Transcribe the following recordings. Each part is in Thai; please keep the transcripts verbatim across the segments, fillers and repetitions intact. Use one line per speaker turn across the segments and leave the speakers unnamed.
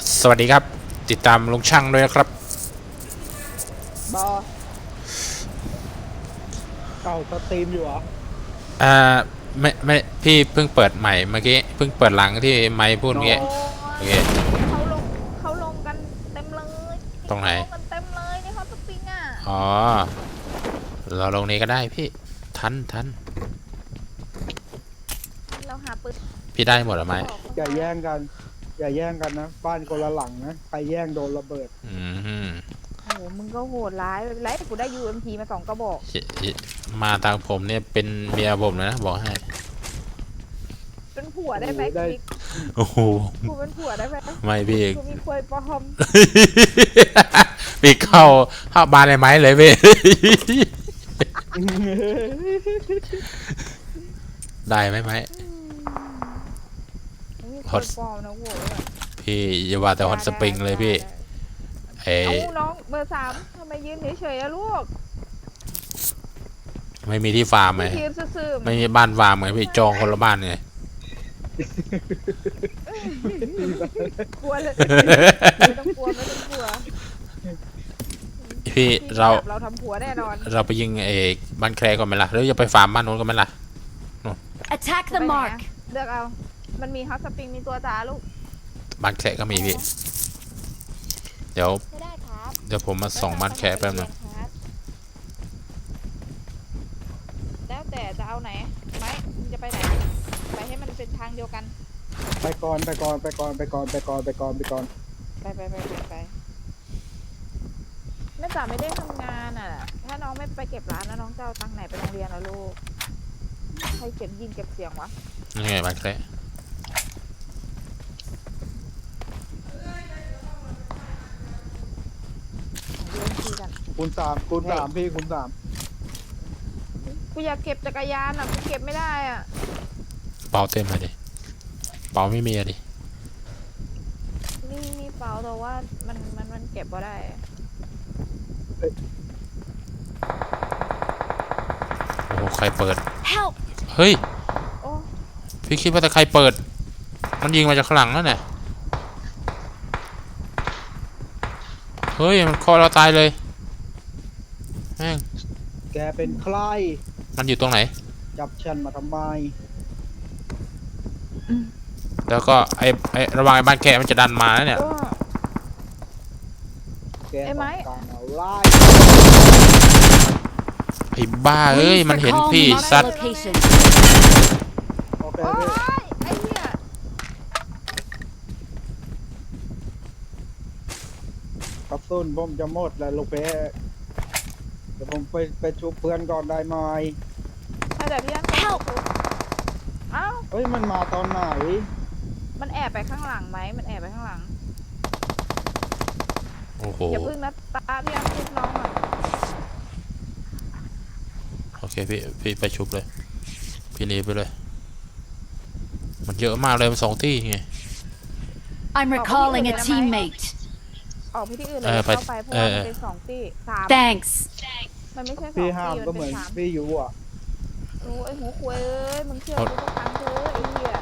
สวัสดีครับติดตามลุงช่างด้วยนะครับ
บอเก่าสตรีมอยู่เหรอ
อ่าไม่ไม่พี่เพิ่งเปิดใหม่เมื่อกี้เพิ่งเปิดหลังที่ไมค์พูดเมื่อกี้
โอ้
โอ
ย
เค
เขาลงเขาลงกันเต็มเลย
ตรงไหน
เขาลงกันเต็มเลยในฮอตสปริงอ่ะ
อ๋อเราลงนี้ก็ได้พี่ทันทัน
เราหาปืน
พี่ได้หมดหรือไม่
อย่าแย่งกันอย่าแย่งกันนะบ้านคนละหลังนะใครแย่งโดนระเบิด
อืม
โอ้โหมึงก็โหดร้ายไรกูได้ ยู เอ็ม พี มาสองกระบอก
มาทางผมเนี่ยเป็นเมียผมเลยนะบอกให้
เป็นผัวได้ไหมกิ๊ก
โอ้โห
กูเป็นผัวได้ไหม
ไม่พี่
กูมีควยปลอม
พี่เข้าเข้าบานเลยไหมเลยพี่ได้ไหมไหม
มีควยปลอมนะโว้ย
พี่อย่าว่าแต่ฮอตสปริงเลยพี่เอ้
เอาน้องเบอร์สามทำไมยืนเฉยๆอะลูก
ไม่มีที่ฟาร์มไหม
ยืนซื่อๆ
ไม่มีบ้านฟาร์มไงพี่จองคนละบ้านไง
กลัวเลยไม่ต้องกลัวไม่ต้องกลัว
พี่เรา
เราทำผัวแน่นอน
เราไปยิงเอกบ้านแคร์ก่อนไหมล่ะหรือจะไปฟาร์มบ้านนู้นก่อนไหมล่ะ
Attack the mark
เลือกเอามันมีฮอตสปริงมีตัวจ๋าลูก
บ้านแคร์ก็มีพี่เดี๋ยวเดี๋ยวผมมาส่องบ้านแคร์แป๊บนึง
แล้วแต่จะเอาไหนไหมมึงจะไปไหนไปให้มันเป็นทางเดียวกัน
ไปก่อนไปก่อนไปก่อนไปก่อนไปก่อนไปก่อนไปก่อน
ไปไปไปไปไปแม่จ๋าไม่ได้ทำงานอ่ะถ้าน้องไม่ไปเก็บร้านแล้วน้องจะเอาตังค์ไหนไปโรงเรียนล่ะลูกใครเก็บยินเก็บเสียงวะ
นี่ไงบ้านแคร์
คูณสามคูณสามพี่คูณสาม
กูอยากเก็บจักรยานอ่ะกูเก็บไม่ได้อ่ะ
เป่าเต็มเลยดิเป่าไม่มีอะดิ
นี่มีเป๋าแต่ว่ามันมันมันเก็บบ่ได้
โอ้โหใครเปิด
Help
เฮ้ยพี่คิดว่าแต่ใครเปิดมันยิงมาจากข้างหลังนั่นแหละเฮ้ยมันคอเราตายเลยแม่ง
แกเป็นใคร
มันอยู่ตรงไหน
จับฉันมาทำไม
แล้วก็ไอ้ไอ้ระวังไอ้บ้านแคร์มันจะดันมาแล้วเนี่ย
แกต้องการอะไร
ไอ้บ้าเอ้ยมันเห็นพี่ซัด
โอเคพี่
ไอ้เหี้ย
กระสุนผมจะหมดแล้วลูกเป้เดี๋ยวผมไปไปชุบเพื่อนก่อนได้ไหม
ให้แต่พี่อันเอ้า
เฮ้ยมันมาตอนไหน
มันแอบไปข้างหลังไหมมันแอบไปข้างหลัง
โอ้โห
อย่าพึ่งนะตาพี่อันชุบน้องอ่ะ
โอเคพี่พี่ไปชุบเลยพี่หนีไปเลยมันเยอะมากเลยมันสองที่ไง
I'm recalling a teammate
ออกไปที่อื่นเลยเข้าไปเพราะว่ามันเป็นสองที่สาม
Thanks
มันไม่ใช่สอง
พี่
ที่
ห้ามก็เหมือนพี่อยู่อ่ะ
โอ้ไอ้หัวควยเอ้ยมึงเชื่อกูสักครั้งเถอะไอ้เหี้ย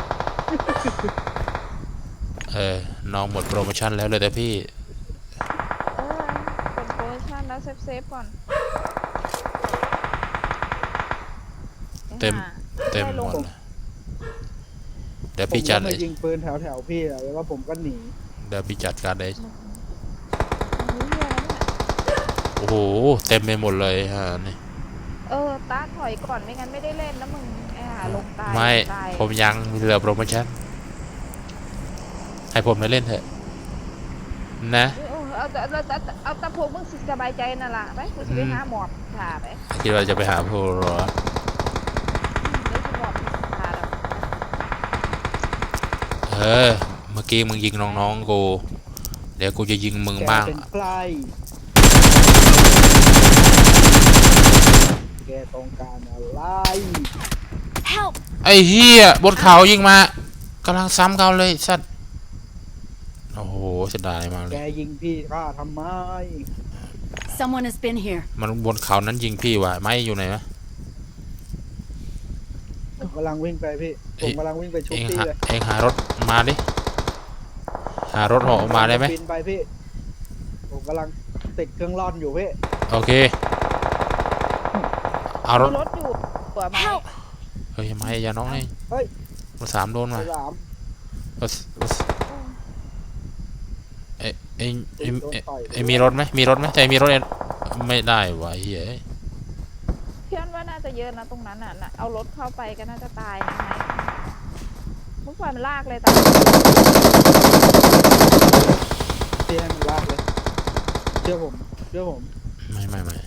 เออน้องหมดโปรโมชั่นแล้วเลยแต่พี่
เออกดโปรโมชั่นแล้วเซฟเซฟก่อน
เต็มเต็มหมดเดี๋ยวพี่จัด
เลยยิงปืนแถวแถวพี่แล้วก็ผมก็หนี
เดี๋ยวพี่จัดการเลยโอ้โหเต็มไปหมดเลยฮะนี่
เออตาถอยก่อนไม่งั้นไม่ได้เล่นนะมึงไอ้ห่าลงตาย
ไม่ผมยังมีเหลือโปรโมชั่นให้ผมได้เล่นเถอะนะ
เอาแต่เอาแต่เอาแต่พวกมึงสบายใจนั่นแหละไปกูจะไปหาหมอบถ่าไป
คิดว่าจะไปหาพวกหรอเออเมื่อกี้มึงยิงน้องๆกูเดี๋ยวกูจะยิงมึงบ้าง
แกต้องการอะไร
Help
ไอ้เหี้ยบนเขายิงมากำลังซ้ำเขาเลยสัตว์โอ้โหเสียดายมากเลย
แกยิงพี่ข้าทำไม
Someone has been here
มันบนเขานั้นยิงพี่วะไม่อยู่ไหนวะ
ผมกำลังวิ่งไปพี่ผมกำลังวิ่งไปชุบพี่เลย
เองหารถมาดิหารถเหาะออกมาได้ไหม
บินไปพี่ผมกำลังติดเครื่องร่อนอยู่พี่
โอเคเอารถ
มีรถอยู่ตัวไหม
Help!
เฮ้ยไม่อย่าน้องนี่
เฮ้ย
มาสามโดนมา
สาม
เอ้ยเอ้ยเอ้ยเอ้ยเอ้ยเอ้ยมีรถไหมมีรถไหมใจมีรถเองไม่ได้วะเฮ้ย
เพื่อนว่าน่าจะเยอะนะตรงนั้นน่ะน่ะเอารถเข้าไปก็น่าจะตายนะไหมมุกไฟมันลากเลยแต่
พี่ให้มันลากเลยเชื่อผมเชื่อผม
ไม่ไม่ไม่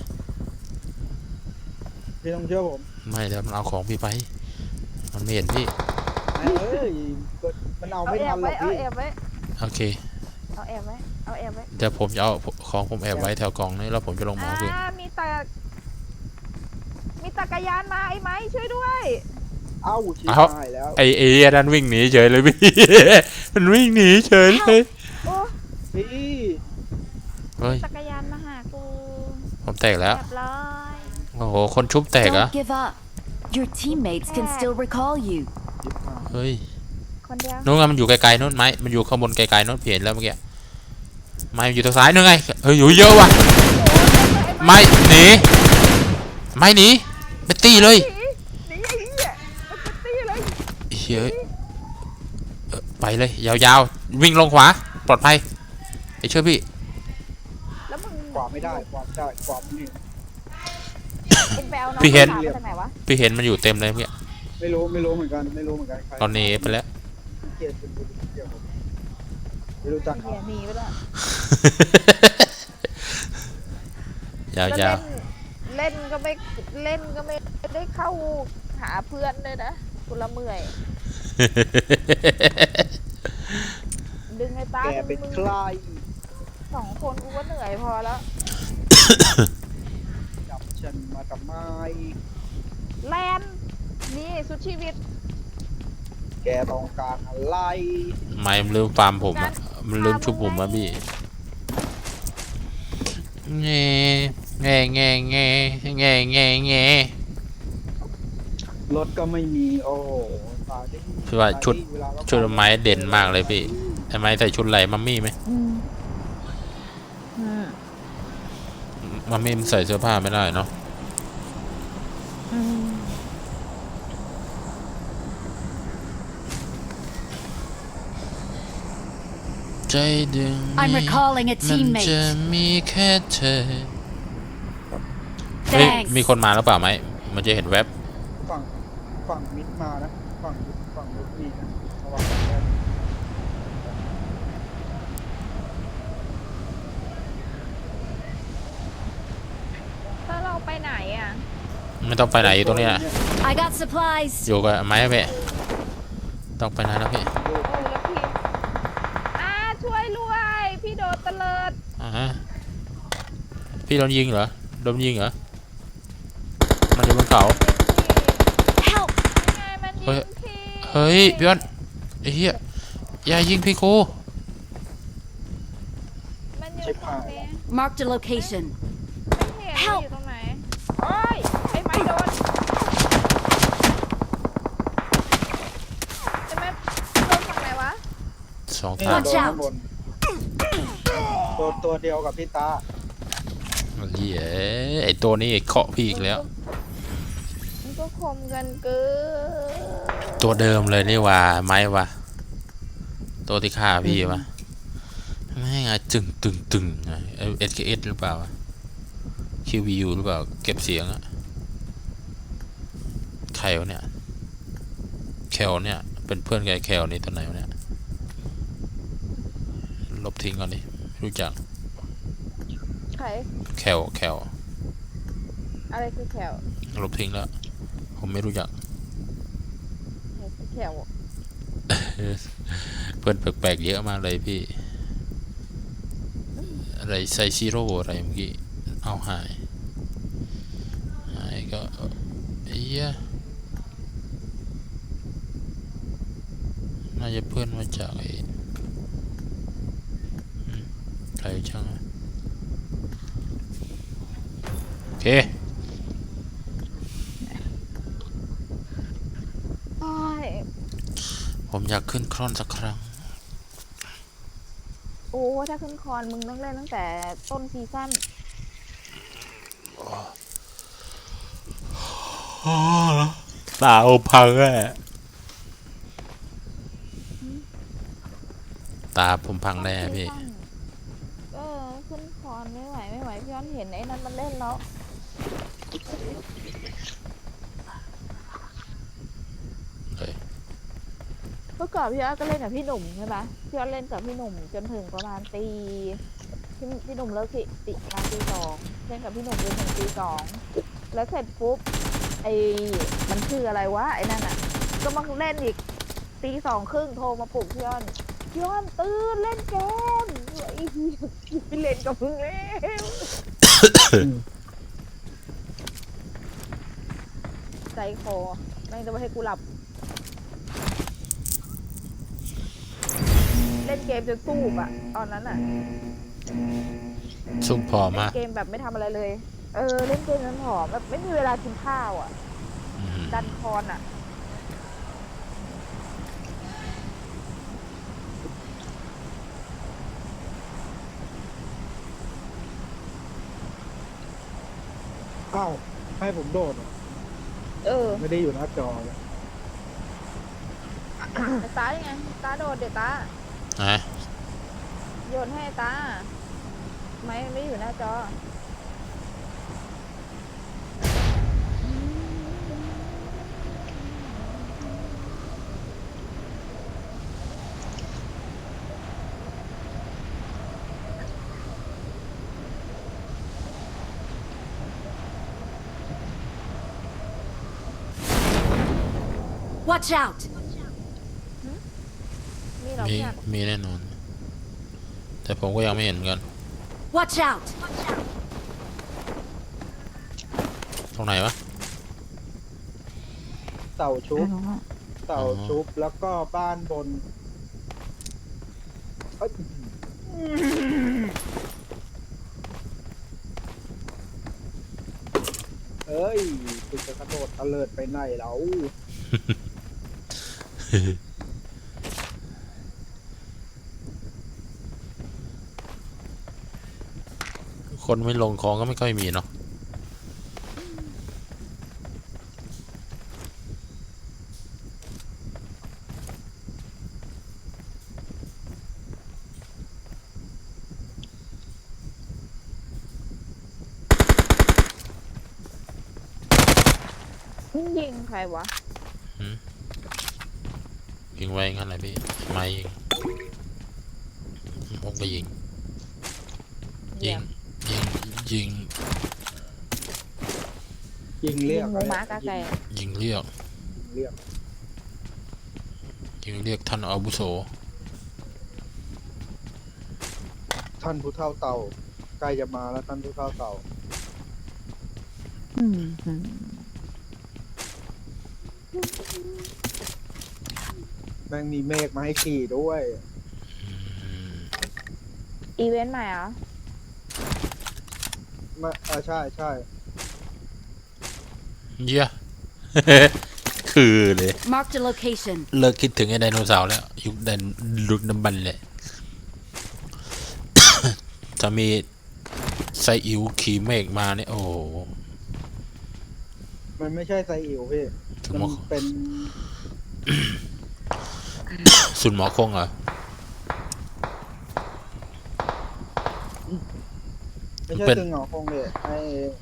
พี่ต้องเชื่อผม
ไม่แล้วมันเอาของพี่ไป มันไม่เห็นพี่
เอ้ยมันเอา
เอา
ไม่
แอ
ทั
บ
นหร
ไว้
อก
เอา
พี่
แอบไว้
โอเค
เอาแอบไว้เอาแอบไว้
เดี๋ยวผมจะเอาของผมแอบไว้แถวกล่องนี้แล้วผมจะลงมา
อ่า
เอาพี่
มีตะมีจักรยานมาไอ้ไหมช่วยด้วย
เอ้าชิบหายแล้ว
ไอเอดันวิ่งหนีเฉยเลยพี่ มันวิ่งหนีเฉยเลย
โอ้
พี่
เฮ้ย
จักรยานมาหากู
ผมแตกแล้ว
เรียบร้อย
โอ้โหคนชุบแตกเหรอะ
Don't give up. Your teammates can still recall you.
ชิบหาย
เฮ้ย
คนเดียว
นู้นไงมันอยู่ไกลๆนู้นไหมมันอยู่ข้างบนไกลๆนู้นเปลี่ยนแล้วเมื่อกี้ไม่มันอยู่ทางซ้ายนู้นไงเฮ้ยอยู่เยอะว่ะไม่หนีไม่หนีไปตีเลย
หนีหนีไอ้เหี้ยมันจะตีเลย
เฮ้ยเออไปเลยยาวๆวิ่งลงขวาปลอดภัยไอ้เชื่อพี่
แล้วมึง
กวาดไม่ได้กวาดไม่ได้กวาดไม่ได้
เอ็นไปเอาน้อง
พี่เห็น
สาวมาจากไหนวะ
พี่เห็นมันอยู่เต็มเลยเมื่อกี้
ไม่รู้ไม่รู้เหมือนกันไม่รู้เหมือนกันใคร
ตอนนี้ไปแล้ว
เกลียดเป็นคนเกลียดผมไม่รู้จัก
เหี้ยหนีไปแล้ว
ยาว
แล้ว
ๆ
เล่นเล่นก็ไม่เล่นก็ไม่ได้เข้าหาเพื่อนเลยนะกูละเมื่อย ดึงไอ้ตา
แก
ดึ
เป็น
งมึง
ใคร
สองคนกูก็เหนื่อยพอแล้ว
จับฉันมาทำไม
แลนนี่สุดชีวิต
แกต้องการอะไร
ไม่มันลืมฟาร์มผมอะมันลืมชุบผมอะพี่แง่แง่แง่แง่แง่แง่แง่
รถก็ไม่มีโอ้โหตายดิ
คือว่าชุด
เวลาเรา
ชุดไม้เด่นมากเลยพี่ไอ้ไม้ใส่ชุดไหลมัมมี่ไหม
อืมอืม
มัมมี่มันใส่เสื้อผ้าไม่ได้เนาะ
อืม
ใจดึง
I'm recalling a
มันจะ
teammate.
มีแค่เธอเฮ้ย
Thanks.
มีคนมาแล้วเปล่าไหมมันจะเห็นแว็บ
ฝั่งฝั่งมิดมานะฝั่งมิดฝั่งมิดมีนะระวังนะ
ถ้าเราไปไหนอ่ะ
ไม่ต้องไปไหนอยู่ตรงนี้นะ
I got supplies.
อยู่กับไม้เพ่ต้องไปไหนแล้วพี่
โอ้แล้วพี่อ่าช่วยด้วยพี่โดนตะเลิด
อ่าฮะพี่โดนยิงเหรอโดนยิงเหรอมันอยู่บนเขา
Help!
ไงมันยิ
เฮ้ย
งพี่
เฮ้ยพี่อ้นไอ้เหี้ยอย่ายิงพี่กู
มันอยู่ตรงนี้
Marked a location.
ไม่เห็นว่าอยู่ตรงไหนโอ้ยไอ้ไม้โดนไอ้ไม้โดนฝั่งไหนวะ
สอง
นี่
ทาง
Watch
ตัว
out
ข้างบนตัวตัวเดียวกับพี่ตา
เหี้ยไอ้ตัวนี้เคาะพี่อีกแล้ว
มันก็คมกันเกิน
ตัวเดิมเลยนี่ว่าไม้ว่ะตัวที่ฆ่าพี่วะไม่ไงจึงตึงตึงเอสเคเอสหรือเปล่าคิววียูหรือเปล่าเก็บเสียงอะใครวะเนี่ยแคลเนี่ยเป็นเพื่อนกับไอ้แคลนี่ตัวไหนวะเนี่ยลบทิ้งก่อนดิไม่รู้จัก
ใคร
แคลแคล
อะไรคือแขว
ลบทิ้งแล้วผมไม่รู้จัก
อะไรคือแขว
เพื่อนแปลกๆเยอะมากเลยพี่ อะไรไซซิโร่อะไรเมื่อกี้ เอาหาย หายก็เอ้ยน่าจะเพื่อนมาจากไอ้อืมใครช่างอะโอเค
โอ้ย
ผมอยากขึ้นคร่อนสักครั้ง
โอ้ถ้าขึ้นคอนมึงต้องเล่นตั้งแต่ต้นซีซั่น
ตาโอพังแน่ตาผมพังแน่พี่
ต้นซีซั่นเออขึ้นคอนไม่ไหวไม่ไหวพี่ย้อนเห็นไอ้นั้นมันเล่นแล้ว
เฮ้ย
เมื่อก่อนพี่ย้อนก็เล่นกับพี่หนุ่มใช่ปะพี่ย้อนเล่นกับพี่หนุ่มจนถึงประมาณตีพี่พี่หนุ่มเลิกที่ติประมาณตีสองเล่นกับพี่หนุ่มจนถึงตีสองแล้วเสร็จปุ๊บไอ้มันคืออะไรวะไอ้นั่นอ่ะ ก็มาเล่นอีกตีสองครึ่งโทรมาปลุกพี่ย้อนพี่ย้อนตื่นเล่นเกมไอ้เหี้ยไปเล่นกับมึงแล้วใจคอไม่งจะไม่ให้กูหลับ เล่นเกมจนสู้อ่ะ ตอนนั้นอ่ะ
ซุ่มพอ
เล่
มาน ก
เกมแบบไม่ทำอะไรเลย เออ เล่นเกมจนผอมแบบไม่มีเวลากินข้าวอ่ะ
อืม
ดันคอนอ่ะ
อ้าวให้ผมโดดเหรอ
เออ
ไม่ได้อยู่หน้าจอเลย
แต่ตายังไง ตาโดดเดี๋ยวตา
นะ
โยนให้ตา ไม่ไม่ได้อยู่หน้าจอ
Watch out!
มีเหรา
มี
เพื่อน
มีแน่นอน แต่ผมก็ยังไม่เห็นเหมือนกัน
Watch out!
ตรงไหนวะ
เต่าชุบเต่าชุบแล้วก็บ้านบนเอ้ยเอ้ยคุณจะกระโดดตะเลิดไปไหนแล้ว
คนไม่ลงคลองก็ไม่ค่อยมีเนาะ
ยิงใครวะ
ยิงไว้งั้นแหละพี่ไม่ยิงผมก็ยิง
เยี่
ยิ
ย
ง
ม
ยิง ยิง
ยิงเรี
ยิ
ย
ง
ก
หมูม้ากาไก่
ยิงเรียก
เรียก
ยิงเรียกท่านอาวุโส
ท่านผู้เฒ่าเต่าใกล้จะมาแล้วท่านผู้เฒ่าเต่า
อืมอืม
แม่งมีเมฆมาให้ขี่ด้วย
อีเวนต์ใหม่เหรอ
มาอ่าใช่ใช่
เยี่ย คือเลย
Marked a location.
เลิกคิดถึงไอ้ไดโนเสาร์แล้ว ยุคไดโนลุกน้ำบันเลย จะมีไซอิ๋วขี่เมฆมาเนี่ย โอ้โห
มันไม่ใช่ไซอิ๋วพี่
สุนห
มั
มอน
เป็น
สุนหมอคงเหรอ
ไม่ใช่
เป็น
ตึงเหงาคงเลยไอ้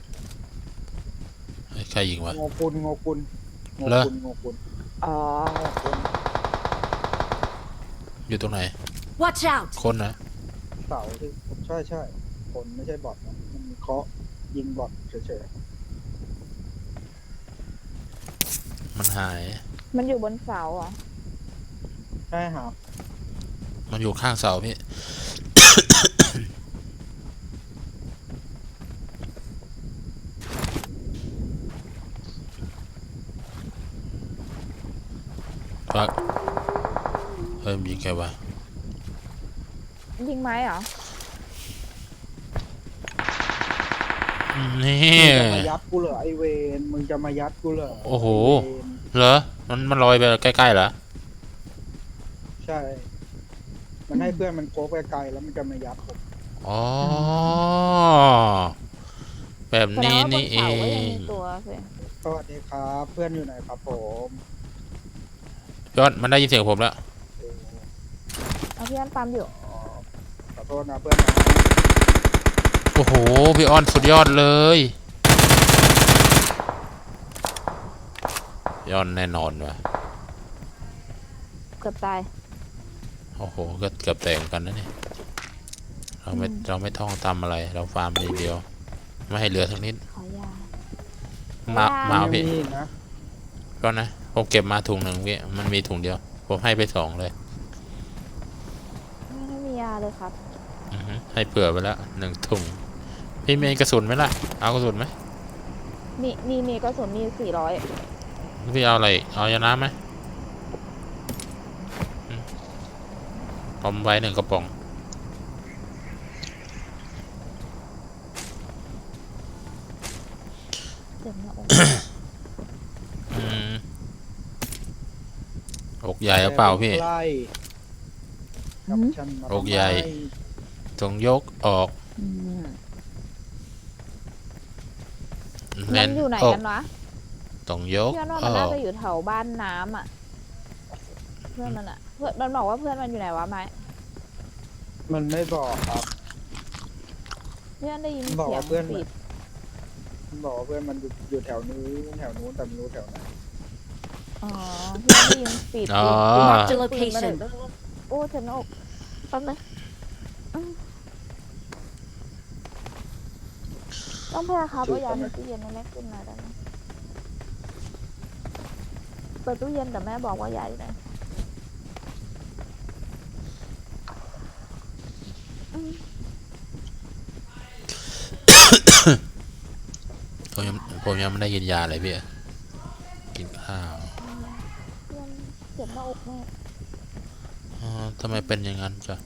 ไอ้ใครยิงวะ
โงกุลโงกุลโง
เหรอ
กุลโงกุล
อ๋อ
อยู่ตรงไหน
Watch out!
คนนะ
เสาที่ใช่ใช่คนไม่ใช่บอทนะมันเคาะยิงบอทเฉย
มันหาย
มันอยู่บนเสาเหรอ
ๆใช่ครับ
มันอยู่ข้างเสาพี่ ปักเฮ้ยมีใครวะ
ยิงไม้เหรอ
นี่
มึงจะมายัดกูเหรอไอเวนมึงจะมายัดกูเหรอ
โอ้โห
ไเวน
เหรอ มันมันลอยไปใกล้ๆเหรอ
ใช่มันให้เพื่อนมันโค้งไปไกลแล้วมันจะมายัดผม
อ๋อแบบ
แสดง
นี้
ว่าบน
นี่เอ
เขาก็ยัง
ง
มีตัวสิ
สวัสดีครับเพื่อนอยู่ไหนครับผม
ยอดมันได้ยินเสียงผมแล้ว
เอาพี่อันปั๊มอยู่
อ๋อขอโทษนะเพื่อนนะ
โอ้โหพี่อ้อนสุดยอดเลยยอดแน่นอนว่ะ
เกือบตาย
โอ้โหก็เกือบแตกเหมือนกันนะเนี่ยเราไม่
อืม
เราไม่ท่องทำอะไร เราฟาร์มอย่างเดียว ไม่ให้เหลือทั้งนิด
ขอยา
มา
ว้าว
มาเอา
ยัง
พี่
มีอีกนะ
ก็นะผมเก็บมาถุงหนึ่งพี่มันมีถุงเดียว ผมให้ไปสองเลย
ไม่มียาเลยครับ
อือฮึให้เผื่อไปแล้วหนึ่งถุงพี่มีกระสุนไหมล่ะเอากระสุนไหม
มีมีมีกระสุนมีสี่ร้อย
พี่เอาอะไรเอายาน้ำไหมอืมผมไว้หนึ่งกระป๋อง
เจ็บหน้าอก
อืมอกใหญ่หรือเปล่าพี่
ใกล้กับฉันมา
อกใหญ่ ตรงยกออก
อืม
แน่
มันอยู่ไหน
อก
กันวะ
ตรงยก
เพื่อนว่า
อ
มัน
อ
น่าก จะอยู่แถวบ้านน้ำอ่ะ เพื่อนมันอ่ะ เพื่อนมันบอกว่าเพื่อนมันอยู่ไหนวะไม้
มันไม่บอกครับ
เพื่อนได้ยิน
มันบอก
เสียง
ว่าเพื่อน
ปิด
มันบอกว่าเพื่อนมันอยู่อยู่แถวนู้นแถวนู้นแต่ไม่รู้แถวไหน
อ๋อเพื่อนได้ยินปิด
อ๋อ
Marked a
ปิดมาเลย
location.
โอ้เจ็บหน้าอกแป๊บนึงอืมต้องพยาครับเอายาในตู้เย็นให้แม่ขึ้นมาได้ไหมเปิดตู้เย็นแต่แม่บอกว่ายาอยู่ไหนอืม
ผมยังผมยังไม่ได้กินยาเลยพี่กินข้าว
เพื่อนเจ็บหน้าอกแม่
อ๋อทำไมเป็นอย่างนั้นจ้ะ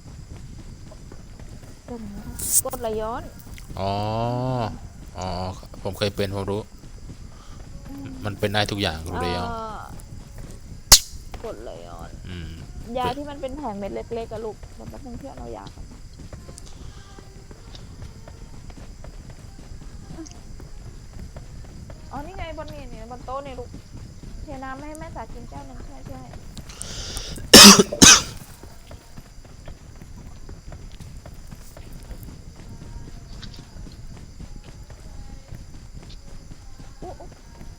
เจ็บหน้าอกกดไหลย้อน
อ๋ออ๋อผมเคยเป็นผมรู้ มันเป็นได้ทุกอย่างรู้เลยอ่ะ
อ่ากดไหลย้อน
อืม
ยาที่มันเป็นแผงเม็ดเล็กๆอะลูกมันต้องเพื่อนเรายาก่อนอ๋อนี่ไงบนนี่นี่บนโต๊ะนี่ลูกเทน้ำให้แม่สากินแก้วหนึงใช่ใช่อุ๊อุ๊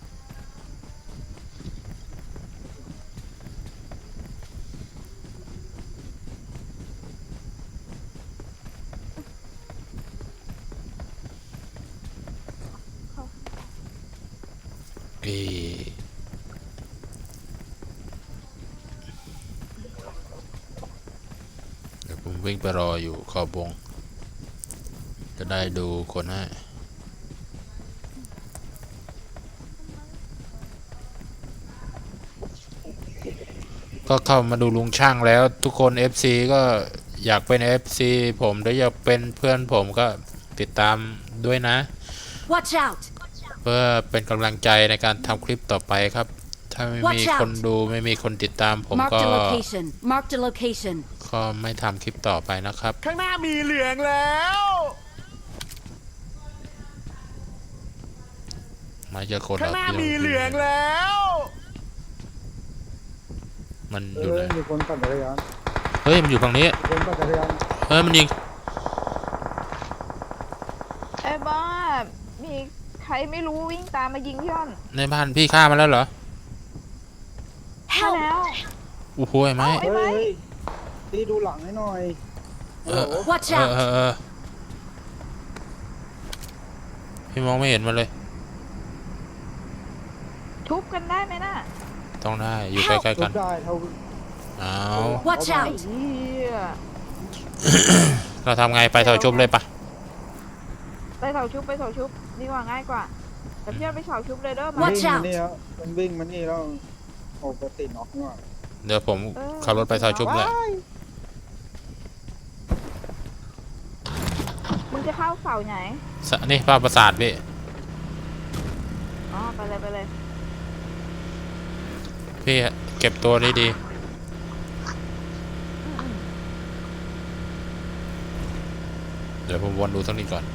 เอ่อเดี๋ยวผมวิ่งไปรออยู่ขอบวง จะได้ดูคนให้ก็เข้ามาดูลุงช่างแล้วทุกคน เอฟ ซี ก็อยากเป็น เอฟ ซี ผมหรืออยากเป็นเพื่อนผมก็ติดตามด้วยนะ
Watch out!
เพื่อเป็นกำลังใจในการทำคลิปต่อไปครับ ถ้าไม่มี
Watch out
คนดูไม่มีคนติดตามผม
Marked
ก็
a location. Marked a location.
ก็ไม่ทำคลิปต่อไปนะครับ
ข้างหน้ามีเหลืองแล้ว
ไม่เจอคน
ข้างหน้า
พี่
มีเหลืองแล้ว
มัน
เอ
อยู่
อ
ไหน
มีคนปั่นจักรยาน
เฮ้ยมันอยู่ฝั่งนี้
มีคนปั่นจักรยาน
เฮ้ยมันยิง
ไอ้บ้ามีใครไม่รู้วิ่งตามมายิงพี่อ้อน
ในบ้านพี่ฆ่ามาแล้วเหรอ
ใช่แล้ว
โอ้โหไอ้ไหม
เอ้า
เฮ้ยเฮ้ยตีดูหลังให้หน่อย
เออ
โอ้โห
Watch
เออ
out!
เออเออพี่มองไม่เห็นมันเลย
ทุบกันได้ไหมน่ะ
ต้องได้อยู่ใกล้ๆ
ทุ
กัน
บได้เท่า
เอา
Watch
ไอ้
out!
เหี้ย
เราทำไงไปถอยชุบเลยปะ
ไปเสาชุบไปเสาชุบดีกว่าง่ายกว่า แต่พี่อ้อนไปเสาชุบเลยเด้อมา
วิ่
Watch
ง
out
มานี่แล้วมันวิ่งมานี่แล้วโอ้ปกติน็อกนี่หว่า
เดี๋ยวผมขับรถไปถอยชุบเลย
ว้าย
มึงจะเข้าเสาไหน
สะนี่ภาพประสาทพี่
อ๋อไปเลยไปเลย
พี่เก็บตัวดีดี
อืม
เดี๋ยวผมวนดูทั้งนี้ก่อน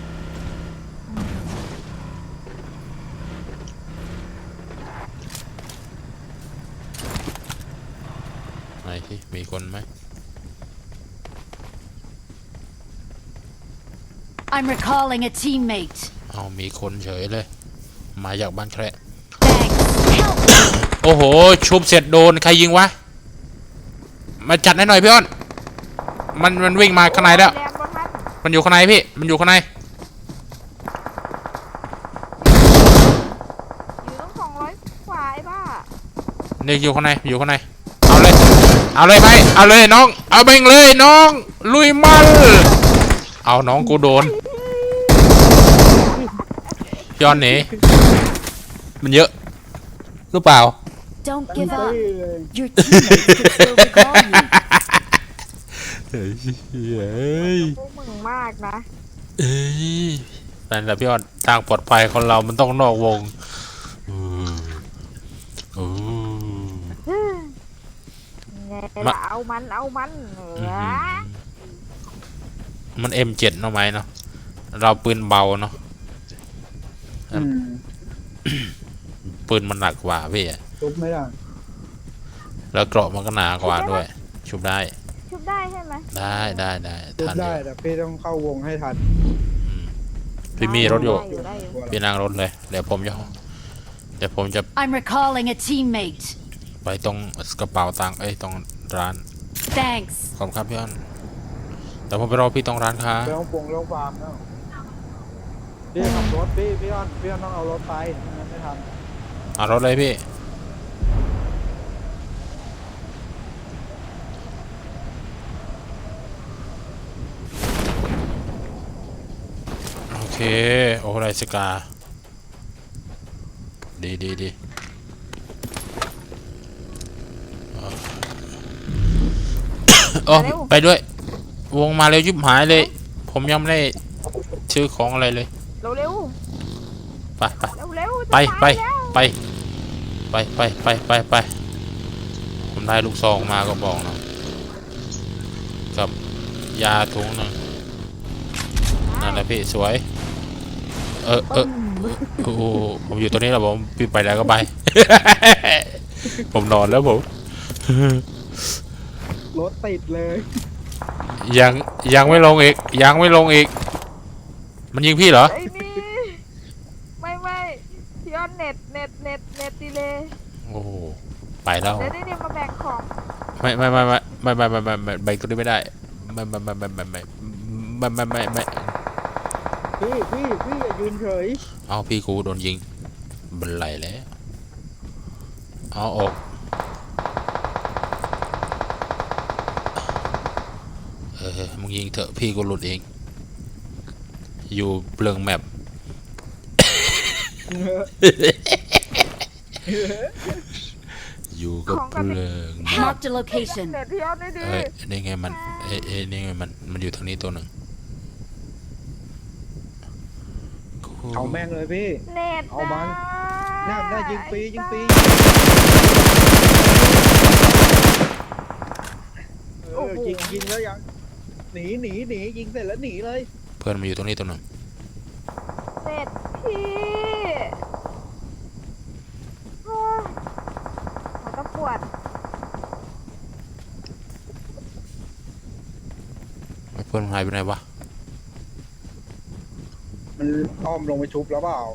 ไหนที่มีคนไหม
I'm recalling a teammate.
เอามีคนเฉยเลย มาจากบ้านแคระ
Thanks. Help!
โอ้โห ชุบเสร็จโดน ใครยิงวะ มาจัดให้หน่อยพี่อ้อน มันมันวิ่งมาข้างในแล้ว
แรงบนทัน
มันอยู่ข้างในพี่ มันอยู่ข้างใน
อยู่ต้องสองร้อยกว่าไอ้บ้า
นี่อยู่ข้างใน อยู่ข้างใน เอาเลย เอาเลยไหมเอาเลยน้อง เอาเบ่งเลยน้อง ลุยมันเอาน้องกูโดนพี่อ้อนหนีมันเยอะหรือเปล่า
Don't
เต็ม
give
ที่
up.
เลย
Your teammates could still recall you.
เฮ้ยเฮ้ย
พวกมึงมากนะ
เอ้ยนั่นแหละพี่อ้อนทางปลอดภัยของเรามันต้องนอกวงอืมอืม
ไง
มา
ล่ะเอามันเอามันเหนื
อื้อ
อ
หือมัน เอ็ม เจ็ด เนาะไหมเนาะเราปืนเบาเนาะ
อืม
ปืนมันหนักกว่าพี่อะ
ชุบไม่ได้
แล้วเกราะมันก็หนากว่าด้วย ชุบได้
ชุบได้ใช่ไหม
ได้ได้ได้
ชุบ
ทันอ
ได้
ยู่
แต่พี่ต้องเข้าวงให้ทัน
อืมพี่มีรถอยู่
ได้อยู่ได้อยู่
พี่นั่งรถเลย เดี๋ยวผมจะเดี๋ยวผมจะ
I'm recalling a teammate.
ไปตรงกระเป๋าตังค์เอ้ยตรงร้าน
Thanks.
ขอบคุณครับพี่อ้อนแต่ผมไปรอพี่ตรงร้านค้า
ไปห้องปงเรื่องฟาร์มแล้วพี่ขับรถพี่พี่อ้อนพี่อ้อนต้องเอารถไปไม่งั้นไม่ทัน
เอารถเลยพี่โอเคโอ้ไรสกาดีดีดีโอ้ไปด้วย วงมาเร็วยิบหายเลย ผมยังไม่ได้ซื้อของอะไรเลย
เร็วเร็ว
ไปไป
เร็วเร็ว
ไปไปไปไปไปไปไปไปผมได้ลูกซองมาก็บอกนะกับยาถุงหนึงนั่นแหละพี่สวย เออเออโอ้โหผมอยู่ตัวนี้แล้วผมพี่ไปแล้วก็ไป ผมนอนแล้วผม
รถติดเลย
ยังยังไม่ลงอีกยังไม่ลงอีก มันยิงพี่เหรอ
ไอ้นี่ไม่ไม่พี่อ้อนเน็ตเน็ตเน็ตเน็ตดีเลย
โอ้โหไปแล้ว
เดี๋ยวนี่มาแบ่งของ
ไม่ไม่ไม่ไม่ไม่ไม่ไม่ไม่ไม่แบ่งตัวนี้ไม่ได้ไม่ไม่ไม่ไม่ไม่ไม่ไม่ไม่ไม่ไม่
พี่พี่พี่อย่ายืนเฉย
เอาพี่กูโดนยิงบันไลแล้วเอาออกเออมึงยิงเถอะพี่กูหลุดเองอยู่เปลืองแมปอยู่กับเปลืองแมป
Marked a location.
เน็ตพี่อ้อนได้ดี
เอ้ยนี่ไงมันเอ้ยเอ้ยนี่ไงมันมันอยู่ทางนี้ตัวหนึ่ง
เอาแม่งเลยพี่
เน็ต
เอามัน น่าน่ายิงฟรียิงฟรีเออยิงยิงแล้วยังหนีหนีหนียิงเสร็จแล้วหนีเลย
เพื่อนมันอยู่ตรงนี้ตัวหนึ่ง
เน็ตพี่โอ้ยหัวตะปวด
เพื่อนมันหายไปไหนวะ
มันอ้อมลงไปชุบแล้วเปล่า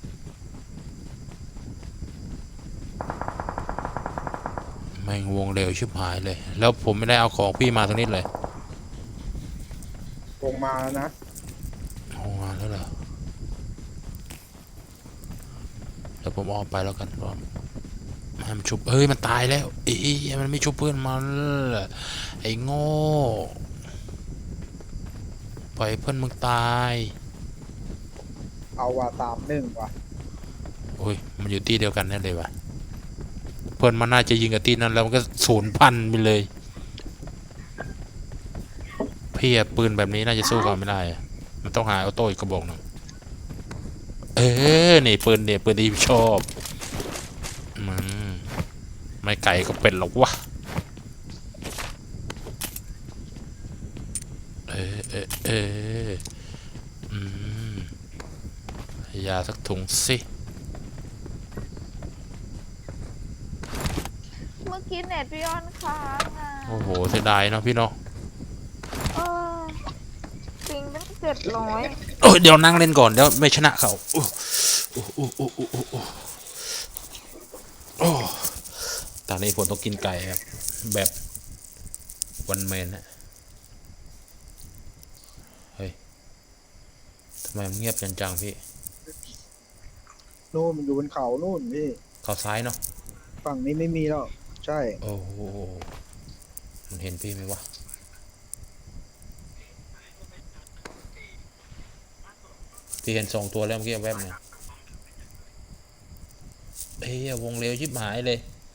แม่งวงเร็วชิบหายเลย แล้วผมไม่ได้เอาของพี่มาตรงนี้เลย
ลงมาแล้วนะ
เอามาแล้วเหรอเดี๋ยวผมออกไปแล้วกันรอให้มันชุบเฮ้ยมันตายแล้วเอ้ยมันไม่ชุบเพื่อนมันไอ้โง่ปล่อยเพื่อนมึงตาย
เอาว่าตามหนึ่งว่ะ
โอ้ยมันอยู่ที่เดียวกันแน่เลยวะเพื่อนมันน่าจะยิงกับที่นั้นแล้วมันก็ศูนย์พันไปเลยพี่อะปืนแบบนี้น่าจะสู้กันไม่ได้อะมันต้องหาออโต้อีกกระบอกหนึ่งเออนี่ปืนเนี่ยปืนที่ชอบมันไม่ไก่ก็เป็นหรอกวะเออเออเอออืมยาสักถุงสิ
เมื่อกี้เน็ตพี่อ้อนค้างอ่ะ
โอ้โหเสียดายเนาะพี่เนาะ
เออปิงตั้งเจ็ดร้อย
โอ้ยเดี๋ยวนั่งเล่นก่อนเดี๋ยวไม่ชนะเขาโอ้โอ้โอ้โอ้โอ้โอ้โอ้โอ้ตอนนี้ผมต้องกินไก่ครับแบบวันเมนฮะเฮ้ยทำไมมันเงียบจังๆพี่
นู่นมันอยู่บนเขานู่นพี่
เขาซ้ายเนาะ
ฝั่งนี้ไม่มีแล้วใช่
โอ้โหมันเห็นพี่ไหมวะพี่เห็นสองตัวแล้วเมื่อกี้แวบเนี่ยเฮ้ยวงเร็วชิบหายเลย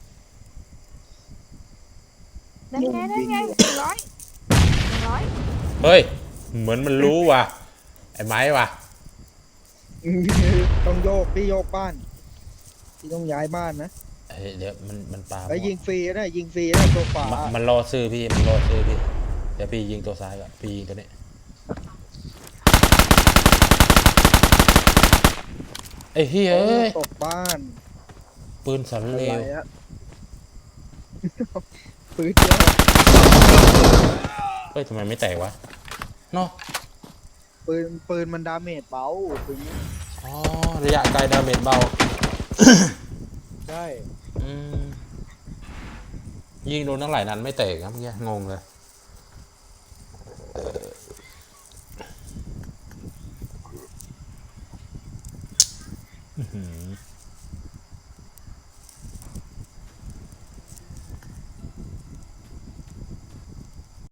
ได้ไงได้ไงหนึ่งร้อยหนึ่งร้อย
เฮ้ยเหมือนมันรู้ว่ะไอ้ไม้ว่ะ
ต้องโยกพี่โยกบ้านพี่ต้องย้ายบ้านนะ
เฮ้ยเดี๋ยวมันมันปา
แล้วยิงฟรีนะยิงฟรีนะตัวขวา
มันมันรอซื้อพี่มันรอซื้อพี่เดี๋ยวพี่ยิงตัวซ้ายก่อนพี่ยิงตัวนี้ไอ้เฮ้ยเอ้ย
ตกบ้าน
ปืนสัน
อะ
เล
ไร
ว
อะปืนเยอะ
เฮ้ยทำไมไม่แตกวะเนาะ
ปืนปืนมันดาเมจเบาปืนนี้
อ๋อระยะไกลดาเมจเบา
ใช่
อืมยิงโดนทั้งหลายนัดไม่แตกครับเมื่อกี้งงเลยอื้อหือ